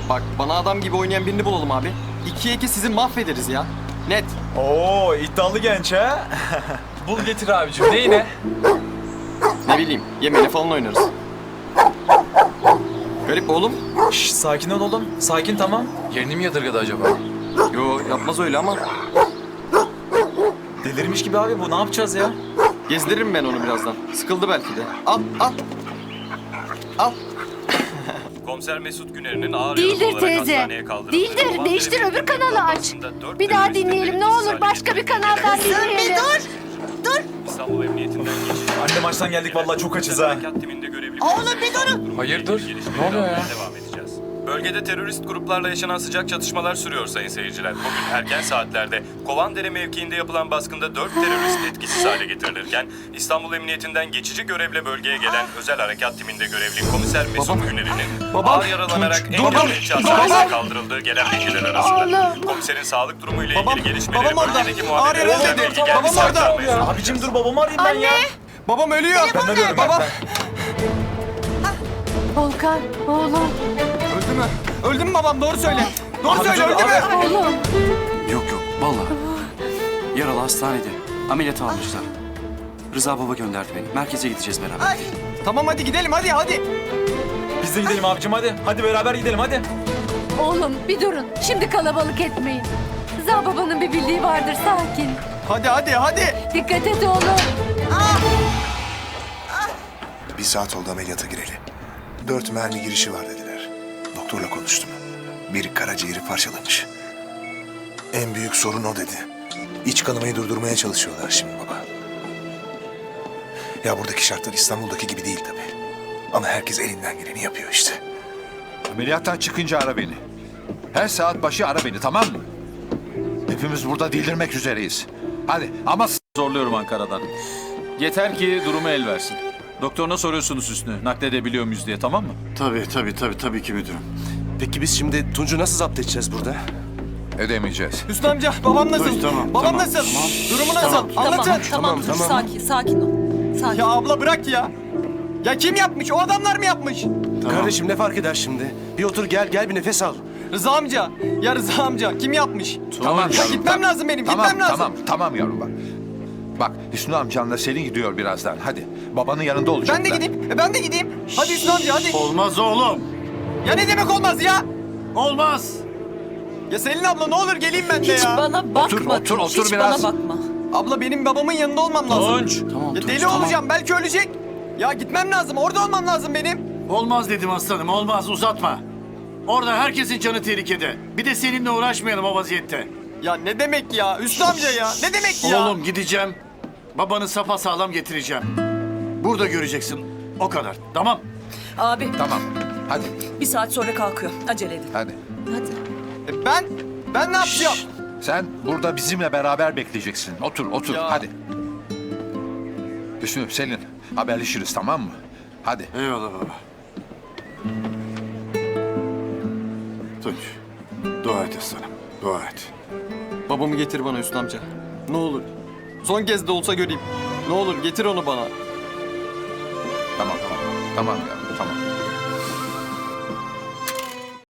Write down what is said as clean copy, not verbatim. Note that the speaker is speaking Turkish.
Bak bana adam gibi oynayan birini bulalım abi. 2'ye 2 sizi mahvederiz ya. Net. Oo, iddialı genç ha. Bul getir abicim. Neyine? Ne bileyim yemeğine falan oynarız. Garip oğlum. Şş, sakin ol oğlum. Sakin, tamam. Yerini mi yadırgadı acaba? Yo yapmaz öyle ama. Delirmiş gibi abi bu. Ne yapacağız ya? Gezdiririm ben onu birazdan. Sıkıldı belki de. Al al. Al. Komiser Mesut Güner'in ağır Değildir yaralı olarak teyze. hastaneye kaldırıldı. Değildir. Kovan Değiştir, Devlet öbür kanalı aç. Bankası'nda dört Bir daha teröristin dinleyelim ne etkisiz olur. hale Başka bir kanaldan dinleyelim. İstanbul Emniyetinden geçiş. Anne maçtan geldik vallahi çok açız ha. Harekat timinde görevli. Oğlum bir durun. Hayırdır? Gelişmeleri Ne oluyor ya? almaya devam edeceğiz. Bölgede terörist gruplarla yaşanan sıcak çatışmalar sürüyor sayın seyirciler. Bugün erken saatlerde Kovandere mevkiinde yapılan baskında 4 terörist etkisiz hale getirilirken İstanbul Emniyetinden geçici görevle bölgeye gelen özel harekat timinde görevli komiser Mesut Güner'in ağır yaralanarak Engelbekçi Hastanesi'ne kaldırıldığı gelen bilgiler arasında. Oğlum. Komiserin sağlık durumuyla Babam, ilgili gelişmeleri babam orada. bölgedeki Ağır muhabirlere yaralı dedi. bilgi geldi. Babam orada. Saklanmayın. Abicim dur, babamı arayayım ben ya. Babam ölüyor. Ben arıyorum, Babam. Volkan, oğlum, Öldü mü? Öldü mü babam? Doğru söyle. Doğru söyle öldü mü? oğlum. Yok yok vallahi. Yaralı hastanede. Ameliyat almışlar. Rıza baba gönderdi beni. Merkeze gideceğiz beraber. Tamam hadi gidelim hadi. Biz de gidelim abicim hadi. Hadi beraber gidelim hadi. Oğlum bir durun. Şimdi kalabalık etmeyin. Rıza babanın bir bildiği vardır, sakin. Hadi. Dikkat et oğlum. Bir saat oldu ameliyata gireli. 4 mermi girişi var dediler. Doktorla konuştum. Biri karaciğeri parçalamış. En büyük sorun o dedi. İç kanamayı durdurmaya çalışıyorlar şimdi baba. Ya buradaki şartlar İstanbul'daki gibi değil tabii. Ama herkes elinden geleni yapıyor işte. Ameliyattan çıkınca ara beni. Her saat başı ara beni, tamam mı? Hepimiz burada delirmek üzereyiz. Hadi ama Zorluyorum Ankara'dan. Yeter ki durumu el versin. Doktoruna soruyorsunuz üstüne. Nakledebiliyor muyuz diye, tamam mı? Tabii ki müdürüm. Peki biz şimdi Tunç'u nasıl zapt edeceğiz burada? edemeyeceğiz. Hüsnü amca babam nasıl? Babam nasıl? Durumu nasıl? Anlatın. Tamam. Sakin ol. Sakin. Ya abla bırak ya. Ya kim yapmış? O adamlar mı yapmış? Kardeşim ne fark eder şimdi? Bir otur gel bir nefes al. Rıza amca. Ya Rıza amca kim yapmış? Tamam Ya yavrum, gitmem lazım benim. Gitmem lazım. Tamam yavrum bak. Bak Hüsnü amcanla Selin gidiyor birazdan. Hadi babanın yanında olacaklar. Ben de gideyim. Hadi Hüsnü amca hadi. Olmaz oğlum. Ya ne demek olmaz ya? Olmaz. Ya Selin abla ne olur geleyim ben de Hiç ya. bana bakma. Otur Hiç biraz. bana bakma. Abla benim babamın yanında olmam lazım. Tunç. Tamam Ya Tunç, deli tamam. olacağım belki ölecek. Ya gitmem lazım orada olmam lazım benim. Olmaz dedim aslanım, olmaz, uzatma. Orada herkesin canı tehlikede. Bir de seninle uğraşmayalım o vaziyette. Ya ne demek ya Hüsnü amca ya ne demek ya? Oğlum gideceğim. Babanı sapasağlam getireceğim. Burada göreceksin. O kadar. Tamam. Abi Tamam. Hadi. bir saat sonra kalkıyor. Acele edin. Hadi. Hadi. Ben ne yapacağım? Sen burada bizimle beraber bekleyeceksin. Otur. Ya. Hadi. Hüsnü, Selin haberleşiriz, tamam mı? Hadi. Eyvallah baba. Tunç. Dua et aslanım. Dua et. Babamı getir bana Hüsnü amca. Ne olur. Son kez de olsa göreyim. Ne olur getir onu bana. Tamam. Tamam ya.